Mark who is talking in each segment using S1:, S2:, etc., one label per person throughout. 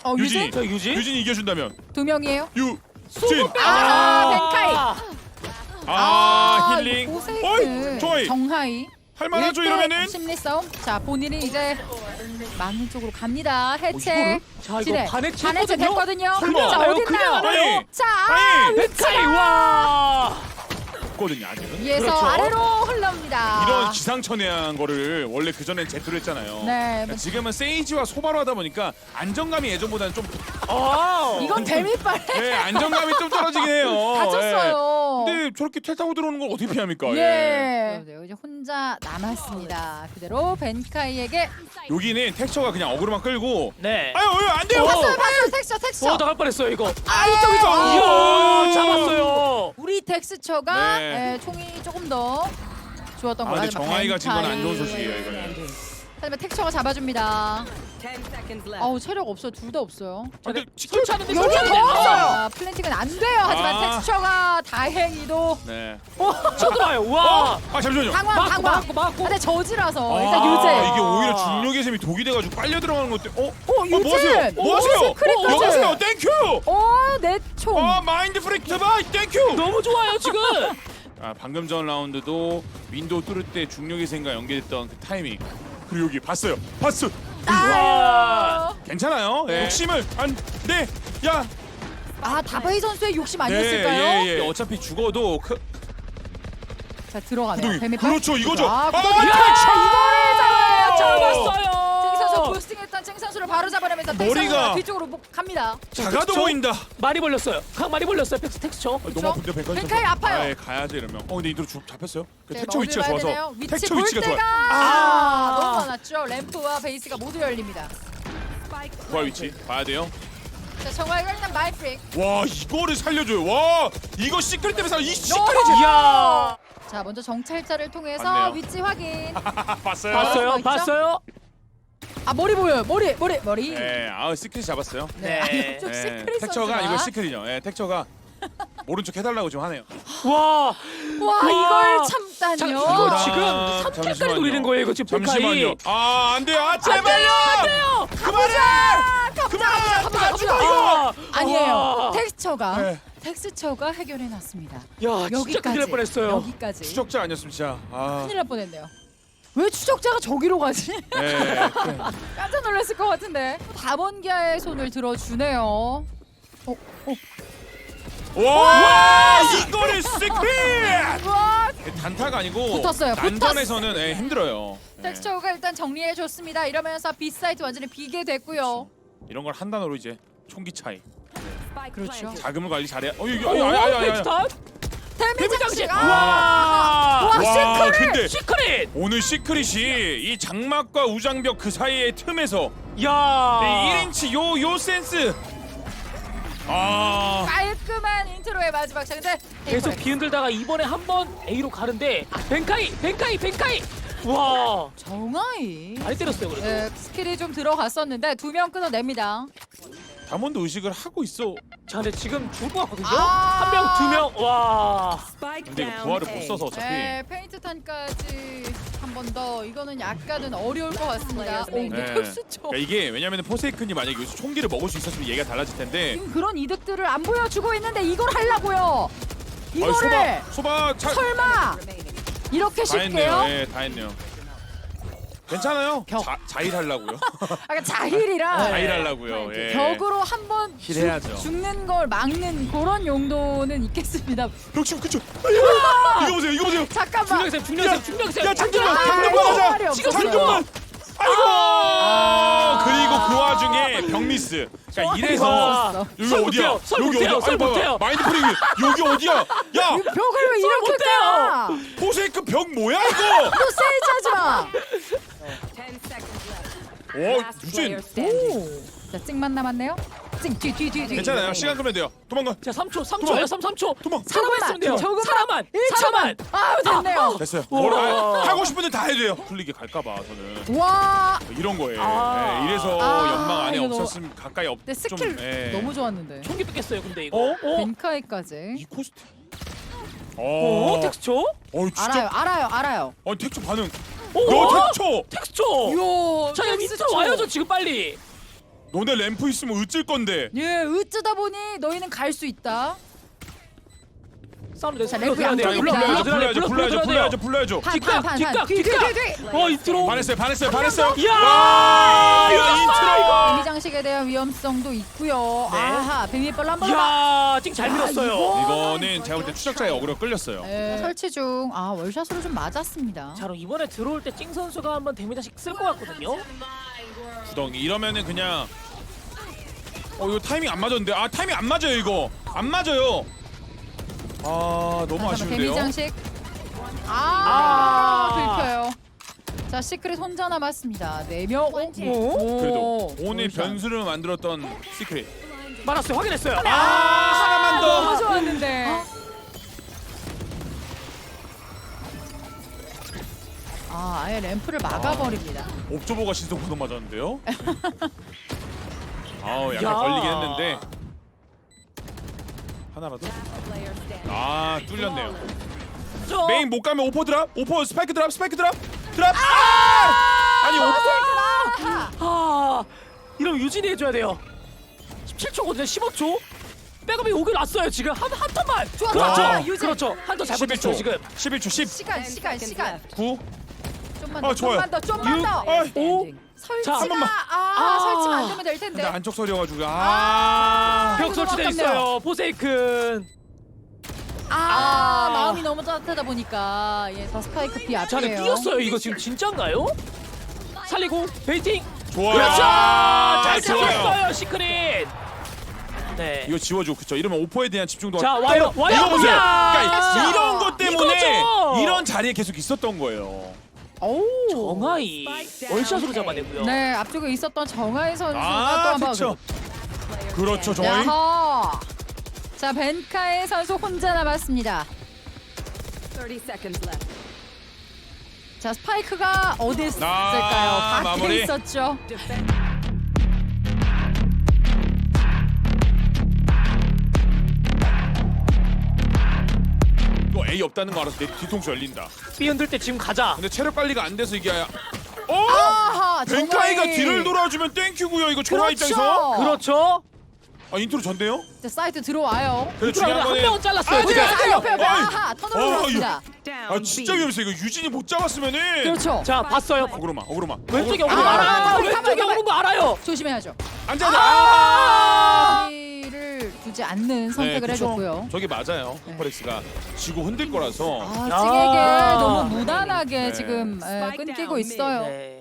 S1: 유진?
S2: 자, 유진?
S1: 유진이 이겨준다면
S3: 두 명이에요.
S1: 유진.
S3: 벤카이.
S1: 힐링.
S3: 포세이크.
S1: 어이, 좋아요.
S3: 정하이.
S1: 할만하죠
S3: 1대
S1: 이러면은.
S3: 심리 싸움. 자, 본인은 이제 막는 쪽으로 갑니다. 해체.
S1: 이거를?
S2: 자, 이거
S3: 지뢰.
S2: 반해체
S3: 반해체 됐거든요.
S1: 설마.
S3: 자, 어딨나요?
S2: 그냥
S1: 아니.
S3: 자,
S1: 아니.
S2: 벤카이 와.
S1: 거든요 아직은.
S3: 위에서
S2: 그렇죠.
S3: 아래로 흘러옵니다.
S1: 이런 기상천외한 거를 원래 그 전엔 제트로 했잖아요.
S3: 네.
S1: 그러니까 지금은 세이지와 소바로 하다 보니까 안정감이 예전보다는 좀
S3: 이건 재미빨.
S1: 네, 안정감이 좀 떨어지긴 해요.
S3: 다쳤어요.
S1: 네. 근데 저렇게 텔 타고 들어오는 걸 어떻게 피합니까?
S3: 예. 이제 혼자 남았습니다. 그대로 벤카이에게
S1: 여기는 텍스처가 그냥 어그로만 끌고
S2: 네.
S1: 아유 안 돼요.
S3: 봤어요. 텍스처.
S2: 나갈 뻔했어요 이거.
S1: 이쪽.
S2: 이야, 잡았어요.
S3: 우리 텍스처가
S1: 네.
S3: 총이 조금 더 좋았던 것
S1: 근데
S3: 같아요.
S1: 정하이가 진 건 안 좋은 소식이에요 이거는.
S3: 하지만 텍스처가 잡아줍니다.
S4: 10 seconds left.
S3: 어우 체력 없어요. 둘 다 없어요.
S1: 근데
S2: 설치하는데
S3: 여기 더
S2: 설치하는데.
S3: 없어요. 플랜팅은 안 돼요. 하지만
S1: 아.
S3: 텍스처가 다행히도
S1: 네.
S2: 쳐들어와요. 와.
S1: 잠시만요.
S3: 당황.
S2: 막고.
S3: 근데 저지라서 일단
S1: 아,
S3: 유재.
S1: 이게 오히려 중력의 셈이 독이 돼가지고 빨려 들어가는 것 때문에
S3: 유진!
S1: 뭐 하세요? 뭐 하세요?
S3: 시크릿까지.
S1: 여보세요 땡큐.
S3: 내 총.
S1: 마인드 프리트 바이 땡큐.
S2: 너무 좋아요 지금.
S1: 방금 전 라운드도 윈도우 뚫을 때 중력의 셈과 연계됐던 그 타이밍. 그리고 여기 봤어요.
S2: 와.
S1: 괜찮아요.
S2: 네.
S1: 욕심을 네. 야.
S3: 다바이 선수의 욕심 아니었을까요?
S1: 예. 어차피 죽어도
S3: 자 들어가네요.
S1: 구동이.
S3: 뱀의
S1: 그렇죠, 이거죠.
S3: 구동이
S1: 야!
S3: 이거를
S2: 잡았어요.
S3: 쟁 선수 부스팅했던 쟁 선수를 바로 잡아내면서 텍
S1: 머리가
S3: 선수가 뒤쪽으로 갑니다.
S1: 작아도
S2: 그쵸?
S1: 보인다.
S2: 많이 벌렸어요. 각 많이 벌렸어요. 텍스처.
S1: 너무 아픈데 벤카이.
S3: 벤카이 아파요.
S1: 예, 가야죠 이러면. 근데 이대로 잡혔어요. 그
S3: 네,
S1: 택처
S3: 어디를
S1: 위치가
S3: 봐야
S1: 좋아서.
S3: 되나요? 위치
S1: 택처
S3: 볼
S1: 위치가
S3: 때가
S1: 좋아요.
S3: 너무 많았죠. 램프와 베이스가 모두 열립니다.
S1: 부활 위치 봐야 돼요.
S3: 자 정화이가 일단 마이프릭.
S1: 와 이거를 살려줘요. 와 이거 시크릿 때문에 이 시크릿.
S2: 이야.
S3: 자 먼저 정찰자를 통해서
S1: 맞네요.
S3: 위치 확인.
S1: 봤어요.
S2: 봤어요.
S3: 있죠?
S2: 봤어요.
S3: 머리 보여요. 머리.
S1: 네, 시크릿 잡았어요.
S3: 네.
S2: 네.
S3: 아니, 좀 시크릿
S1: 택처가
S3: 선수가.
S1: 아니고 시크릿이요. 예, 택처가 모른 척 해달라고 좀 하네요.
S2: 와.
S3: 와 이걸 참다니요.
S2: 자, 이거 지금
S1: 아,
S2: 3킬까지
S1: 잠시만요.
S2: 노리는 거예요. 이거 지금
S1: 잠시만요.
S2: 벤카이.
S1: 안 돼요. 제발요.
S2: 안 돼요.
S1: 그만해.
S3: 가보자.
S1: 이거.
S3: 아니에요.
S2: 와.
S3: 텍스처가
S1: 네.
S3: 텍스처가 해결해놨습니다.
S2: 야, 진짜 큰일 날 뻔했어요.
S3: 여기까지.
S1: 추적자 아니었으면 진짜.
S3: 큰일 날 뻔했네요. 왜 추적자가 저기로 가지?
S1: 네.
S3: 깜짝 놀랐을 것 같은데. 다번기아의 손을 들어주네요.
S1: 와 이거를 시크릿.
S3: 와,
S1: 단타가 아니고
S3: 붙었어요.
S1: 난전에서는 힘들어요.
S3: 텍스처가 일단 정리해줬습니다. 이러면서 B사이트 완전히 비게 됐고요.
S1: 이런 걸 한 단어로 이제 총기 차이.
S4: Spike
S3: 그렇죠.
S4: planted.
S1: 자금을 관리 잘해.
S2: 백스탄.
S3: 데미지 장식.
S2: 와.
S3: 시크릿!
S1: 근데
S2: 시크릿.
S1: 오늘 시크릿이 이 장막과 우장벽 그 사이의 틈에서
S2: 야.
S1: 1인치 요 센스.
S3: 깔끔한 인트로의 마지막 장. 근데
S2: 계속 비흔들다가 이번에 한 번 A로 가는데 벤카이. 와.
S3: 정하이.
S2: 많이 때렸어요 그래도.
S3: 네, 스킬이 좀 들어갔었는데 2명 끊어냅니다.
S1: 담원도 의식을 하고 있어.
S2: 자, 근데 지금 죽을 것 같거든요.
S3: 아.
S2: 한 명, 두 명. 와.
S4: Spike
S1: 근데 이거
S4: down
S1: 부활을
S4: A.
S1: 못 써서 어차피.
S3: 네, 페인트 탄까지 한 번 더. 이거는 약간은 어려울 것 같습니다. 오, 근데
S1: 네.
S3: 텍스처.
S1: 그러니까 이게 왜냐면 포세이큰이 만약에 여기서 총기를 먹을 수 있었으면 얘기가 달라질 텐데.
S3: 지금 그런 이득들을 안 보여주고 있는데 이걸 하려고요. 이거를
S1: 소바
S3: 설마
S4: Remaining.
S3: 이렇게
S1: 다 했네요.
S3: 쉽게요?
S1: 예, 다 했네요. 괜찮아요. 자일하려고요.
S3: 약간 자힐이라
S1: 자일하려고요. 예.
S3: 벽으로 한번
S1: 힐해야죠.
S3: 죽는 걸 막는 그런 용도는 있겠습니다.
S1: 벽심 그쵸. 이거 보세요. 이거 보세요.
S3: 잠깐만.
S2: 중력쌤.
S1: 야 장전만
S3: 말이
S1: 하자.
S3: 없어요.
S1: 장전만. 아이고. 그리고 그 와중에 벽미스. 그러니까 이래서 여기
S2: 설
S1: 어디야?
S2: 못해요. 설
S1: 여기
S2: 못해요.
S1: 어디야?
S2: 설
S1: 아니, 봐봐.
S2: 못해요.
S1: 마인드 프리기 여기 어디야? 야
S3: 벽을 왜 이렇게 까?
S1: 포세이크 벽 뭐야 이거?
S3: 또 세이지하지 마.
S4: 10 seconds left.
S1: 오
S4: Last
S1: 유진.
S4: player standing.
S3: 오. 자, 찡만 남았네요. 뒤.
S1: 괜찮아요. 시간 끄면 돼요. 도망가.
S2: 자, 3초예요. 3초.
S1: 도망.
S2: 살아만 있으면 돼요.
S3: 조금만.
S2: 살아만.
S3: 아유, 됐네요.
S1: 됐어요.
S2: 우와.
S1: 하고 싶은 데 다 해도 돼요. 풀리게 갈까봐 저는
S3: 와.
S1: 이런 거예요.
S2: 아.
S1: 예, 이래서
S3: 아,
S1: 연막 안에
S3: 이거 너무-
S1: 없었으면 가까이
S3: 근데 스킬
S1: 예.
S3: 너무 좋았는데.
S2: 총기 뺏겼어요. 근데 이거.
S3: 벤카이까지.
S1: 이 코스트.
S2: 텍스처?
S1: 진짜.
S3: 알아요.
S1: 텍처 반응.
S2: 오.
S1: 너 텍처.
S2: 텍스처.
S3: 요.
S2: 자, 여기 밑으로 와야죠 지금 빨리.
S1: 너네 램프 있으면 으찔 건데.
S3: 예, 으쓰다 보니 너희는 갈 수 있다.
S2: 사운드
S3: 자,
S2: 내서
S3: 램프 양쪽에
S1: 불러야죠.
S2: 뒷각. 인트로.
S1: 반했어요.
S2: 야,
S1: 인트로.
S3: 데미 장식에 대한 위험성도 있고요.
S2: 네.
S3: 아하, 뱀이빨로 한번
S2: 야, 지금 잘 밀었어요.
S1: 이거는 제가 볼 때 추적자의 어그로 끌렸어요.
S3: 설치 중. 아, 월샷으로 좀 맞았습니다.
S2: 자, 그럼 이번에 들어올 때 찡 선수가 한번 데미지씩 쓸 것 같거든요.
S1: 구덩이 이러면은 그냥 이거 타이밍 안 맞았는데. 아, 타이밍 안 맞아요 이거. 안 맞아요. 아, 너무
S3: 데미
S1: 아쉬운데요.
S3: 장식. 들켜요. 자, 시크릿 혼자 남았습니다. 4명.
S1: 그래도 오늘 변수를 만들었던 시크릿.
S2: 말았어요. 확인했어요.
S1: 하나만
S3: 너무
S1: 더.
S3: 좋았는데. 아예 램프를 막아버립니다.
S1: 옵저버가 신속보도 맞았는데요. 아우, 약간
S2: 야.
S1: 걸리긴 했는데 하나라도. 아, 뚫렸네요.
S2: 저
S1: 메인 못 가면 오퍼 드랍, 오퍼 스파이크 드랍. 아니 오퍼.
S2: 이러면 유진이 해줘야 돼요. 17초거든요. 15초. 백업이 오긴 왔어요. 지금 한 턴만.
S3: 좋아,
S2: 그렇죠.
S3: 좋아, 유진.
S2: 그렇죠. 한 턴 잘못했어요
S1: 11초.
S2: 지금.
S1: 11초 10.
S3: 시간.
S1: 9.
S3: 좀만
S1: 아,
S3: 더,
S1: 좋아요.
S3: 좀만 더.
S1: 아,
S2: 5.
S3: 설치가
S1: 한 번만.
S3: 설치가 안 되면 될 텐데.
S1: 근데 안쪽 소리여가지고
S2: 벽 설치돼
S3: 아깝네요.
S2: 있어요. 포세이큰.
S3: 마음이 너무 따뜻하다 보니까 더 스파이크 비
S2: 자, 근데
S3: 앞이에요.
S2: 뛰었어요. 이거 지금 진짜인가요? 살리고 베이팅.
S1: 좋아요.
S2: 그렇죠. 잘
S1: 좋아요.
S2: 잡았어요. 시크릿. 네.
S1: 이거 지워줘. 그쵸. 이러면 오퍼에 대한 집중도.
S2: 자, 와요.
S1: 이거 보세요.
S2: 야!
S1: 그러니까 이런 것 때문에
S2: 이거죠.
S1: 이런 자리에 계속 있었던 거예요.
S2: 정하이 월샷으로 잡아내고요.
S3: 네, 앞쪽에 있었던 정하이 선수가
S1: 아,
S3: 또 한번
S1: 그렇죠. 그렇죠, 정하이.
S3: 야하. 자, 벤카의 선수 혼자 남았습니다.
S4: 30 seconds left.
S3: 자, 스파이크가 어디 있을까요? 밖에
S1: 마무리.
S3: 있었죠.
S4: Defend.
S1: 이거 A 없다는 거 알아서 내 뒤통수 열린다.
S2: B 흔들 때 지금 가자.
S1: 근데 체력 관리가 안 돼서 이게.
S3: 아하,
S1: 벤카이가
S3: 정하이.
S1: 뒤를 돌아주면 땡큐고요. 이거 조화 입장에서.
S2: 그렇죠.
S1: 아, 인트로 전데요?
S3: 자, 사이트 들어와요.
S1: 근데
S2: 그러면 한 명은 잘랐어요.
S1: 네.
S2: 지금.
S3: 자, 옆에
S1: 어이.
S3: 아하, 턴으로
S1: 어이.
S3: 들어왔습니다.
S4: Down.
S1: 아, 진짜 위험했어. 이거 유진이 못 잡았으면은.
S3: 그렇죠.
S2: 자, 봤어요.
S1: 어그로마.
S2: 왼쪽에 오는 거
S3: 아,
S2: 알아요.
S3: 가만히,
S2: 왼쪽에
S3: 가만히.
S2: 오는 거 알아요.
S3: 조심해야죠.
S1: 앉아.
S3: 를 두지 않는 선택을 해줬고요.
S1: 저게 맞아요. 홈퍼렉스가 지고 흔들 거라서.
S3: 아,
S2: 야.
S3: 찡에게 너무 무난하게
S1: 네.
S3: 지금 끊기고 있어요.
S2: 네.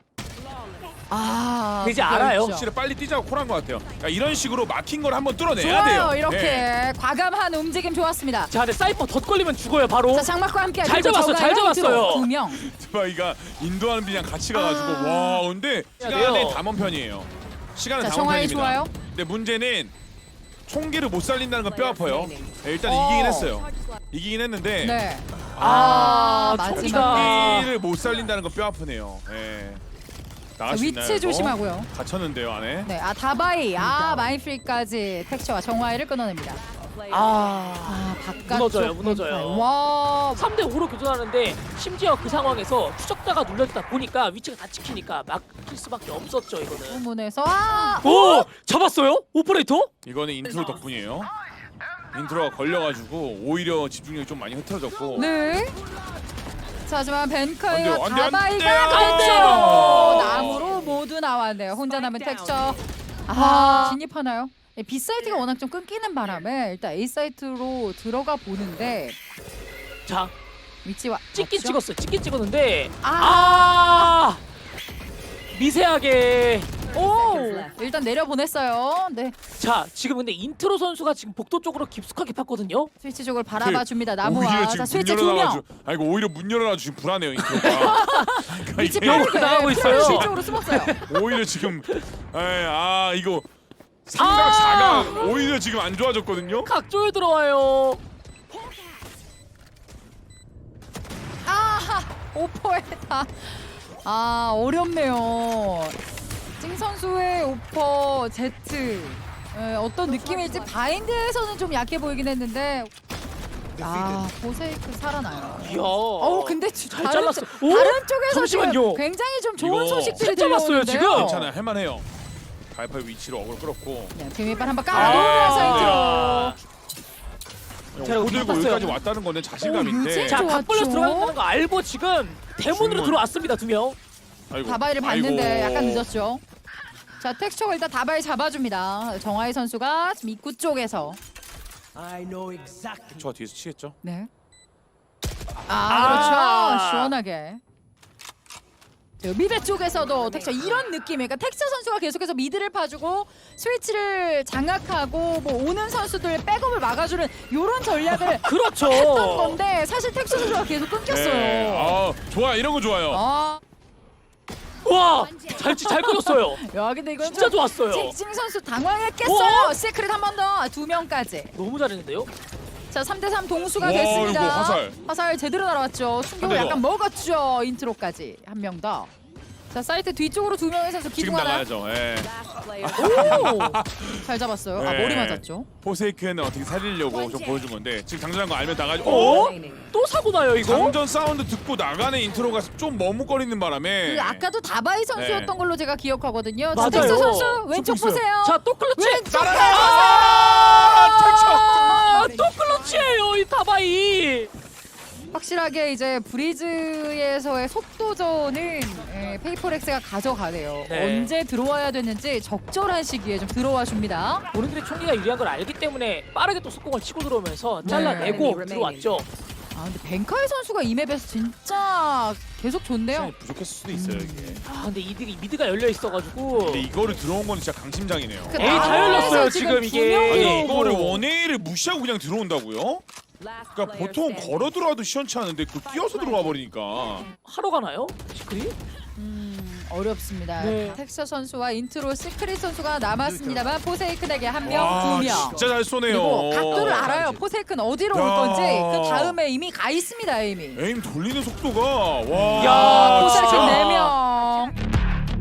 S3: 그게
S2: 이제 알아요.
S3: 있죠.
S1: 확실히 빨리 뛰자고 콜한 것 같아요. 그러니까 이런 식으로 막힌 걸 한번 뚫어내야
S3: 좋아요.
S1: 돼요.
S3: 이렇게
S1: 네.
S3: 과감한 움직임 좋았습니다.
S2: 자, 근데 사이퍼 덧걸리면 죽어요, 바로.
S3: 자, 장막과 함께
S2: 잘 잡았어, 잘 잡았어요.
S3: 2명.
S1: 드바이가 인도하는 분이랑 같이 가가지고 와, 근데
S2: 해야
S1: 시간은
S2: 돼요.
S1: 담원 편이에요. 시간은
S3: 자,
S1: 담원
S3: 정하이
S1: 편입니다.
S3: 좋아요.
S1: 근데 문제는 총기를 못 살린다는 건 뼈 아파요. 네, 일단
S3: 어.
S1: 이기긴 했어요. 이기긴 했는데
S3: 네.
S2: 총기가.
S3: 마지막.
S1: 총기를 못 살린다는 건 뼈 아프네요. 예.
S3: 자,
S1: 나갈 수 있나요,
S3: 위치
S1: 이거?
S3: 조심하고요.
S1: 갇혔는데요, 안에.
S3: 네, 다바이. 마인프리까지 텍처와 정화이를 끊어냅니다. 바깥쪽.
S2: 무너져요.
S3: 와.
S2: 3대 5로 교전하는데 심지어 그 상황에서 추적자가 눌려있다 보니까 위치가 다 찍히니까 막힐 수밖에 없었죠, 이거는.
S3: 부문에서
S2: 오! 잡았어요? 오퍼레이터?
S1: 이거는 인트로 덕분이에요. 인트로가 걸려가지고 오히려 집중력이 좀 많이 흐트러졌고.
S3: 네. 자, 하지만 벤카이와
S1: 안 돼, 안 돼, 안
S3: 다바이가
S1: 돼, 안
S2: 돼요.
S3: 텍처 나무로 모두 나왔네요. 혼자 남은 텍처. 진입하나요? B 사이트가 워낙 좀 끊기는 바람에 일단 A 사이트로 들어가 보는데
S2: 자,
S3: 위치와
S2: 찍긴
S3: 맞죠?
S2: 찍었어요. 찍긴 찍었는데
S3: 아.
S2: 미세하게.
S3: 오! 일단 내려 보냈어요. 네.
S2: 자, 지금 근데 인트로 선수가 지금 복도 쪽으로 깊숙하게 팠거든요.
S3: 스위치 쪽을 바라봐 줍니다.
S1: 오히려
S3: 나무와.
S1: 지금
S3: 자,
S1: 문
S3: 스위치 2명.
S1: 열어놔가지고. 아, 이거 오히려 문 열어놔가지고 지금 불안해요, 인트로가. 그러니까
S3: 위치
S1: 이게
S2: 벽으로 나가고 있어요.
S3: 스위치 쪽으로 숨었어요.
S1: 오히려 지금 이거 삼각 사각 오히려 지금 안 좋아졌거든요.
S2: 각조에 들어와요.
S3: 아하! 오퍼에다. 어렵네요. 찡 선수의 오퍼 Z 어떤 느낌일지 바인드에서는 좀 약해 보이긴 했는데 보세이크 살아나요.
S2: 이야.
S3: 근데
S2: 잘
S3: 다른
S2: 잘랐어.
S3: 다른 쪽에서
S2: 잠시만요.
S3: 지금 굉장히 좀 좋은
S1: 이거
S3: 소식들이
S2: 살 잡았어요,
S3: 들려오는데요.
S2: 지금.
S1: 괜찮아요, 할만해요. 알파의 위치로 어그로 끌었고.
S3: 네, 비밀발 한번 깔아놓으면서
S2: 제가
S1: 코 들고
S2: 봤어요.
S1: 여기까지 왔다는 거는 자신감인데.
S3: 유진.
S2: 자,
S3: 좋았죠.
S2: 각벌려 들어간다는 거 알고 지금 대문으로
S1: 중문.
S2: 들어왔습니다, 2명.
S1: 아이고.
S3: 다바이를 봤는데
S1: 아이고.
S3: 약간 늦었죠. 자, 텍스처가 일단 다바이 잡아줍니다. 정하이 선수가 지금 입구 쪽에서
S1: 저 뒤에서 치겠죠?
S3: 네.
S2: 아.
S3: 그렇죠. 시원하게. 자, 미드 쪽에서도 텍스처 이런 느낌이니까 텍스처 선수가 계속해서 미드를 파주고 스위치를 장악하고 뭐 오는 선수들 백업을 막아주는 이런 전략을
S2: 그렇죠.
S3: 했던 건데 사실 텍스처 선수가 계속 끊겼어요.
S1: 네. 아, 좋아. 이런 거 좋아요.
S3: 아,
S2: 와, 잘 끊었어요.
S3: 야 근데 이건
S2: 진짜 좋았어요.
S3: 징징 선수 당황했겠어요. 시크릿 한 번 더, 2명까지.
S2: 너무 잘했는데요.
S3: 자, 3대3 동수가
S1: 와,
S3: 됐습니다.
S1: 이거 화살.
S3: 제대로 날아왔죠. 충격을
S1: 한 대 더.
S3: 약간 먹었죠. 인트로까지 한 명 더. 자, 사이트 뒤쪽으로 2명의 선수
S1: 지금
S3: 기둥 하나.
S1: 나가야죠. 예.
S4: Last player.
S3: 오! 잘 잡았어요. 아,
S1: 네.
S3: 머리 맞았죠.
S1: 포세이크는 어떻게 살리려고 좀 보여준 건데 지금 장전한 거 알면 나가죠.
S2: 어?
S4: Remaining.
S2: 또 사고 나요, 이거?
S1: 장전 사운드 듣고 나가는 인트로가 좀 머뭇거리는 바람에.
S3: 그 아까도 다바이 선수였던
S1: 네.
S3: 걸로 제가 기억하거든요.
S2: 맞아요.
S3: 텍스 선수 왼쪽
S1: 좀 있어요.
S3: 보세요.
S2: 자, 또 클러치.
S3: 왼쪽
S2: 아, 또 클러치예요, 이 다바이.
S3: 확실하게 이제 브리즈에서의 속도전은 페이퍼렉스가 가져가네요.
S2: 네.
S3: 언제 들어와야 되는지 적절한 시기에 좀 들어와 줍니다.
S2: 본인들의 총기가 유리한 걸 알기 때문에 빠르게 또 속공을 치고 들어오면서 잘라내고
S4: 네.
S2: 들어왔죠.
S3: 아 근데 벤카이 선수가 이 맵에서 진짜 계속 좋네요.
S1: 시간이 부족했을 수도 있어요 이게.
S2: 아, 근데 미드가 열려 있어가지고.
S1: 근데 이거를 들어온 건 진짜 강심장이네요.
S3: 그
S2: 에이, 다 열렸어요,
S3: 나라에서
S2: 지금 이게.
S3: 두 명이
S1: 아니
S3: 오고.
S1: 이거를 원웨이를 무시하고 그냥 들어온다고요?
S4: Last
S1: 그러니까
S4: player
S1: 보통
S4: standing.
S1: 걸어 들어와도 시원치 않은데 그 뛰어서 들어와 버리니까.
S2: 하러 가나요? 시크릿?
S3: 어렵습니다.
S2: 네.
S3: 텍스처 선수와 인트로 시크릿 선수가 남았습니다만 포세이큰에게 한 명,
S1: 와,
S3: 두 명.
S1: 진짜 잘 쏘네요.
S3: 그리고 각도를 알아요. 포세이큰 어디로 올
S1: 야.
S3: 건지 그 다음에 이미 가 있습니다. 이미.
S1: 에임 돌리는 속도가 와.
S2: 야,
S3: 포세이큰
S2: 진짜.
S3: 4명.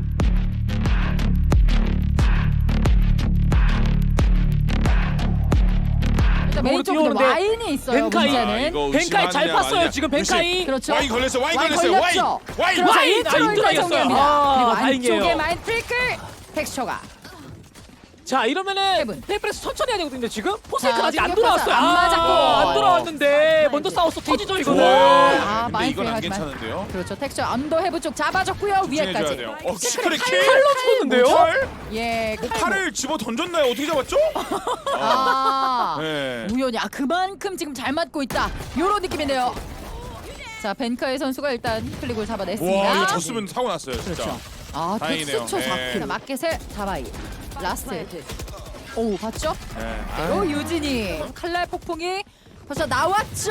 S3: 일단 메인 쪽에
S2: 뛰어오는데
S3: 와인이 있어요.
S2: 벤카이.
S3: 문제는.
S1: 이거
S2: 벤카이 잘
S1: 의심하느냐,
S2: 팠어요,
S1: 마느냐.
S2: 지금 벤카이.
S3: 그렇죠.
S1: 와인 걸렸어. 와인
S3: 와인
S1: 걸렸어요. 와인.
S3: 걸렸죠.
S1: 와인.
S3: 그래서
S2: 와인!
S3: 인트로
S2: 인트로
S3: 일단
S2: 이겼어요.
S3: 정리합니다.
S2: 아,
S3: 그리고
S2: 다행이에요.
S3: 안쪽에 마인 트리클 텍스처가.
S2: 자, 이러면은
S3: 헤븐.
S2: 페이퍼렉스 천천히 해야 되거든요, 지금. 포세이큰
S3: 자,
S2: 아직 안
S3: 충격파사
S2: 돌아왔어요.
S3: 안 맞았고.
S2: 안 돌아왔는데 먼저 싸웠어. 터지죠, 이거는.
S1: 좋아요.
S3: 아,
S1: 근데
S3: 많이
S1: 이건 안
S3: 하지만.
S1: 괜찮은데요.
S3: 그렇죠. 텍스처 언더 헤브 쪽 잡아줬고요.
S1: 집중해줘야
S3: 위에까지.
S1: 돼요.
S3: 시크릿
S1: 시크릿
S3: 칼-
S1: 킬.
S2: 칼로 쳤는데요?
S1: 칼?
S3: 예,
S1: 뭐
S3: 칼-
S1: 칼을 집어 던졌나요? 어떻게 잡았죠?
S3: 아,
S1: 네.
S3: 우연히 그만큼 지금 잘 맞고 있다. 요런 느낌인데요. 자, 벤카의 선수가 일단 클릭을 잡아냈습니다.
S1: 와 이거 졌으면 사고 났어요 진짜.
S3: 그렇죠. 아,
S1: 다행이네요.
S3: 텍스처
S1: 네.
S3: 4킬. 마켓의 다바이. 라스트. 오, 봤죠?
S1: 네.
S3: 바로 유진이 칼날 폭풍이 벌써 나왔죠.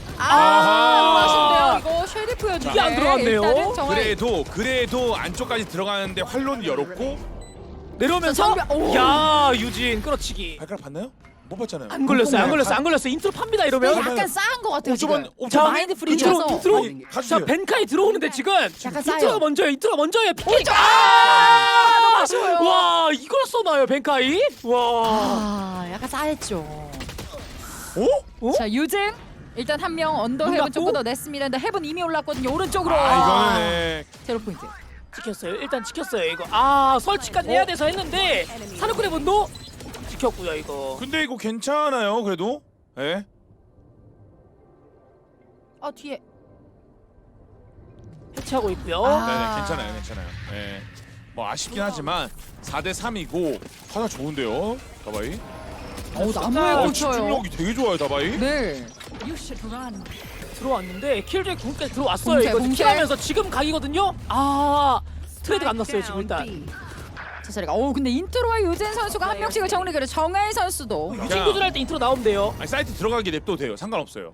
S1: 아하.
S3: 아쉽네요. 이거 쉐리프였는데
S2: 이게 안 들어갔네요.
S3: 일단은 정말
S1: 그래도 안쪽까지 들어가는데 활로는 열었고
S2: 내려오면서
S3: 정면- 오.
S2: 야, 유진 끌어치기.
S1: 발가락 봤나요? 못 봤잖아요.
S2: 안 걸렸어요. 인트로 팝니다, 이러면.
S3: 약간 싸한 것 같아요. 지금.
S1: 오,
S2: 자,
S3: 마인드 프리즈라서.
S2: 인트로.
S1: 아니, 가주세요.
S2: 자, 벤카이 들어오는데 지금
S3: 약간 싸요.
S2: 인트로가 먼저예요. 피켓.
S3: 너무 아쉬워요.
S2: 와, 이걸 써놔요, 벤카이. 와.
S3: 아, 약간 싸했죠.
S1: 어?
S3: 자, 유진 일단 한 명 언더
S2: 눈
S3: 헤븐
S2: 감고?
S3: 쪽보다 냈습니다. 근데 헤븐 이미 올랐거든요. 오른쪽으로.
S1: 아 이거는 네.
S3: 제로 포인트.
S2: 지켰어요. 일단 지켰어요, 이거. 아, 설치까지 해야 돼서 했는데 사르쿠의 분도 지켰고요, 이거.
S1: 근데 이거 괜찮아요 그래도. 예.
S3: 아, 뒤에.
S2: 해체하고 있고요.
S3: 아.
S1: 네네 괜찮아요. 예. 뭐 아쉽긴 하지만 4대 3이고 하나 좋은데요 다바이.
S3: 나무에 꽂혀요.
S1: 집중력이 되게 좋아요 다바이.
S3: 네.
S2: 들어왔는데 킬조이 궁까지 들어왔어요.
S3: 공세,
S2: 이거
S3: 공세.
S2: 킬하면서 지금 각이거든요. 아, 트레이드가 안 났어요, 지금 일단.
S3: 자, 자리가. 오, 근데 인트로와 유진 선수가 한 명씩을 정리를. 정하이 선수도.
S2: 유진 구슬할 때 인트로 나오면 돼요.
S1: 아니 사이트 들어가게 냅둬도 돼요. 상관없어요.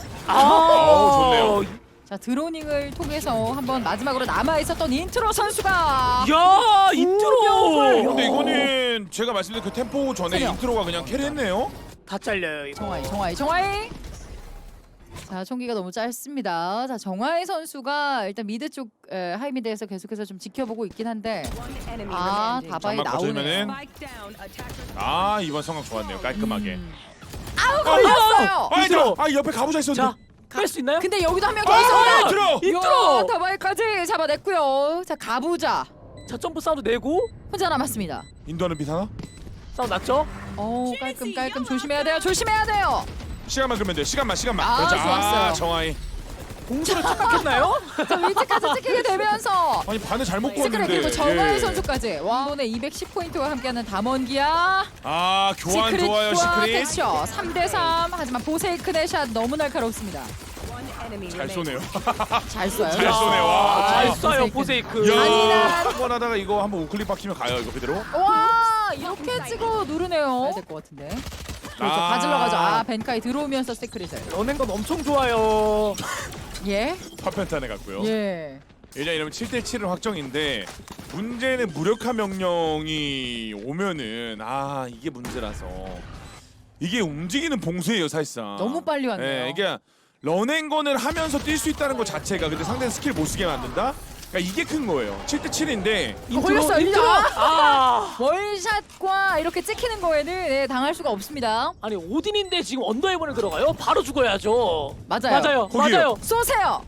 S2: 아,
S1: 좋네요.
S3: 자, 드로닝을 통해서 한번 마지막으로 남아 있었던 인트로 선수가.
S2: 야, 인트로.
S1: 근데 이거는 제가 말씀드린 그 템포 전에
S3: 세요.
S1: 인트로가 그냥 캐리했네요.
S2: 다 잘려요, 이거.
S3: 정하이. 자, 총기가 너무 짧습니다. 자, 정하이 선수가 일단 미드 쪽 하이미드에서 계속해서 좀 지켜보고 있긴 한데.
S4: Enemy
S3: 아,
S4: remaining.
S3: 다바이
S1: 잠만
S3: 나오네요.
S1: 거쳐주면은
S4: Spike down. Attacker.
S1: 아 이번 성각 좋았네요. 깔끔하게.
S3: 아우, 걸렸어요.
S1: 아
S2: 인트로.
S1: 얘들아, 아 옆에 가보자
S2: 자,
S1: 했었는데.
S2: 뺄 수 있나요?
S3: 근데 여기도 한 명 더
S1: 아
S3: 있습니다.
S1: 인트로.
S2: 인트로.
S3: 다바이까지 잡아냈고요. 자, 가보자.
S2: 점프 사운드 내고
S3: 혼자 남았습니다.
S1: 인도하는 비사나?
S2: 사운드 났죠?
S3: 오 깔끔 조심해야 돼요. 조심해야 돼요.
S1: 시간만 끌면 돼. 시간만.
S3: 아,
S1: 그렇죠.
S3: 좋았어요.
S1: 정하이.
S2: 공수를 착각했나요?
S3: 자 위치까지 찍히게 되면서
S1: 아니 반을 잘못
S3: 시크릿
S1: 구웠는데.
S3: 그리고 정하이
S1: 예.
S3: 선수까지 와 이번에 210포인트와 함께하는 담원기아
S1: 아 교환 좋아요
S3: 시크릿과
S1: 시크릿.
S3: 텍처 3대3 하지만 보세이큰의 샷 너무 날카롭습니다.
S4: One enemy
S1: 잘
S4: remaining.
S1: 쏘네요.
S3: 잘 쏴요.
S1: 잘 쏘네, 와.
S2: 잘
S3: 아,
S2: 쏴요 보세이크.
S1: 야,
S3: 잔인한.
S1: 한번 하다가 이거 한번 우클릭 박히면 가요 이거 그대로.
S3: 와 이렇게 찍어 누르네요. 해야 될 것 같은데. 그렇죠.
S1: 아.
S3: 가질러 가죠. 벤카이 들어오면서 시크릿을.
S2: 러닝건 엄청 좋아요.
S3: 예.
S1: 파편탄에 갔고요.
S3: 예.
S1: 왜냐 이러면 7대7은 확정인데 문제는 무력화 명령이 오면은 아 이게 문제라서 이게 움직이는 봉쇄예요 사실상.
S3: 너무 빨리 왔네요.
S1: 예, 이게 런앤건을 하면서 뛸 수 있다는 것 자체가 근데 상대는 스킬 못 쓰게 만든다. 그러니까 이게 큰 거예요. 7대7인데
S3: 걸렸어요.
S2: 인트로. 아.
S3: 월샷과 이렇게 찍히는 거에는 네, 당할 수가 없습니다.
S2: 아니 오딘인데 지금 언더헤븐을 들어가요? 바로 죽어야죠.
S3: 맞아요.
S2: 맞아요.
S1: 거기요.
S2: 맞아요.
S3: 쏘세요.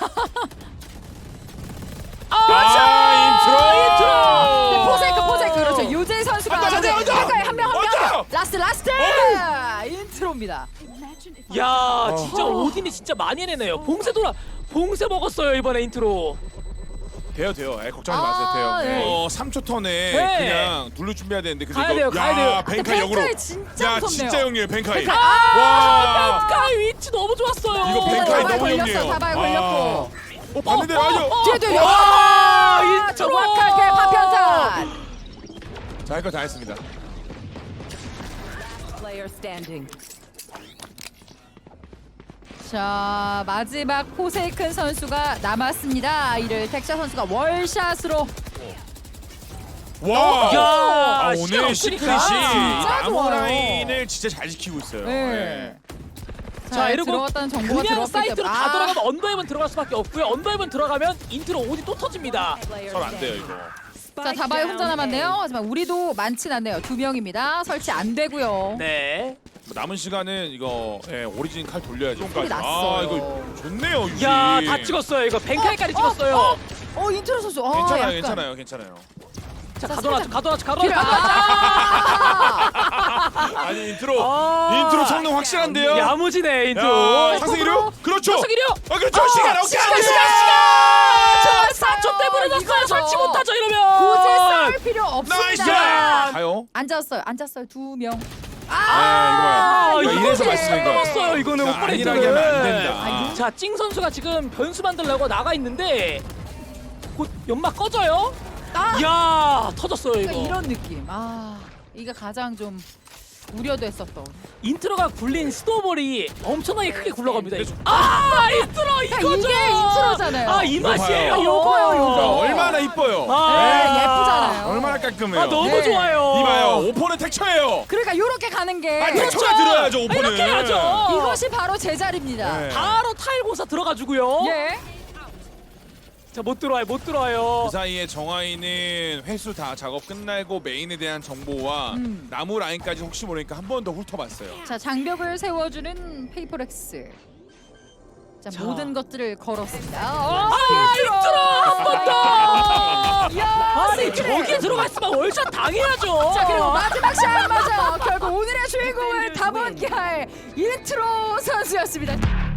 S1: 아,
S3: 네, 포세이크 그렇죠. 유재 선수가
S1: 앉아.
S3: 한 명.
S1: 앉아.
S3: 라스트 인트로입니다.
S2: 야 진짜 오딘이 진짜 많이 해내네요. 봉쇄 먹었어요 이번에 인트로.
S1: 돼요. 에, 걱정하지 마세요. 돼요.
S3: 네.
S1: 3초 턴에
S2: 네.
S1: 그냥 둘러 준비해야 되는데 근데
S2: 가야
S1: 이거
S2: 돼요, 가야 돼요.
S1: 벤카이 역으로.
S3: 벤카이 진짜
S1: 야
S3: 무섭네요.
S1: 진짜 영리해 벤카이.
S3: 벤카이.
S1: 와.
S2: 벤카이 위치 너무 좋았어요.
S1: 이거 벤카이
S3: 다발
S1: 너무
S3: 걸렸어,
S1: 영리해요.
S3: 다발 걸렸고.
S1: 봤는데 아니요.
S3: 뒤에
S2: 와, 인트로.
S3: 정확하게 파편탄.
S1: 자, 할 거 다 했습니다.
S4: Player standing.
S3: 자 마지막 포세이큰 선수가 남았습니다. 이를 텍샤 선수가 월샷으로
S1: 와.
S2: 야,
S1: 오늘
S2: 시간
S1: 시크릿이
S2: 없으니까.
S3: 진짜
S1: 나무
S3: 좋아요.
S1: 라인을 진짜 잘 지키고 있어요.
S3: 네.
S2: 자, 이러고
S3: 들어갔다는 정보가
S2: 그냥
S3: 들어왔기
S2: 사이트로
S3: 때문에
S2: 다 들어가면 언더헤븐 들어갈 수밖에 없고요. 언더헤븐 들어가면 인트로 오딘 또 터집니다.
S4: Player
S1: 설 안 돼요
S4: standing.
S1: 이거.
S3: 자 다바이 혼자 남았네요. 하지만 우리도 많진 않네요. 2명입니다. 설치 안 되고요.
S2: 네.
S1: 뭐 남은 시간은 이거 오리진 칼 돌려야죠.
S3: 소리 났어요.
S1: 아 이거 좋네요 유지.
S2: 야, 다 찍었어요. 이거 벤카이까지 찍었어요.
S3: 인트로 선수.
S1: 괜찮아요.
S2: 자,
S3: 자,
S2: 가둬놨죠.
S3: 뒤로
S1: 아니 인트로 성능 확실한데요.
S2: 야무지네,
S1: 야,
S2: 인트로.
S1: 상승이요? 그렇죠.
S2: 상승이요?
S1: 아 그렇죠. 시간 오케이.
S2: 저 4초 때문에
S3: 이거죠.
S2: 졌어요. 설치 못하죠, 이러면.
S3: 굳이 싸울 필요
S1: 나이스.
S3: 없습니다.
S1: 가요.
S3: 앉았어요. 2명.
S1: 아 이거
S3: 이거
S1: 이래서
S3: 이렇게
S1: 말씀인 거예요.
S2: 넘었어요, 이거는
S1: 그러니까
S2: 오퍼레이터를.
S1: 안일하게 하면 안 된다.
S2: 자, 찡 선수가 지금 변수 만들려고 나가 있는데 곧 연막 꺼져요. 야, 터졌어요, 이거.
S3: 그러니까 이런 느낌. 이게 가장 좀 우려됐었던.
S2: 인트로가 굴린 스노볼이 엄청나게 크게 굴러갑니다. 이거. 인트로 이거죠.
S3: 이게 인트로잖아요.
S2: 이 맛이에요.
S1: 봐요.
S3: 요거요, 요거.
S1: 얼마나 이뻐요.
S3: 네, 예쁘잖아요.
S1: 얼마나 깔끔해요.
S2: 너무
S3: 네.
S2: 좋아요.
S1: 이봐요. 오퍼는 텍처예요.
S3: 그러니까 요렇게 가는 게
S1: 텍처가 들어야죠 오퍼는.
S2: 이렇게 해야죠.
S3: 이것이 바로 제자리입니다.
S1: 네.
S2: 바로 타일고사 들어가주고요.
S3: 예.
S2: 자, 못 들어와요.
S1: 그 사이에 정하이는 회수 다 작업 끝나고 메인에 대한 정보와 나무 라인까지 혹시 모르니까 한 번 더 훑어봤어요.
S3: 자 장벽을 세워주는 페이퍼렉스. 자 모든 것들을 걸었습니다.
S2: 인트로 한 번 더.
S3: 야,
S2: 아니, 저기에 들어가 있으면 월샷 당해야죠.
S3: 자 그리고 마지막 샷 맞아. 결국 오늘의 주인공은 담원기아의 인트로 선수였습니다.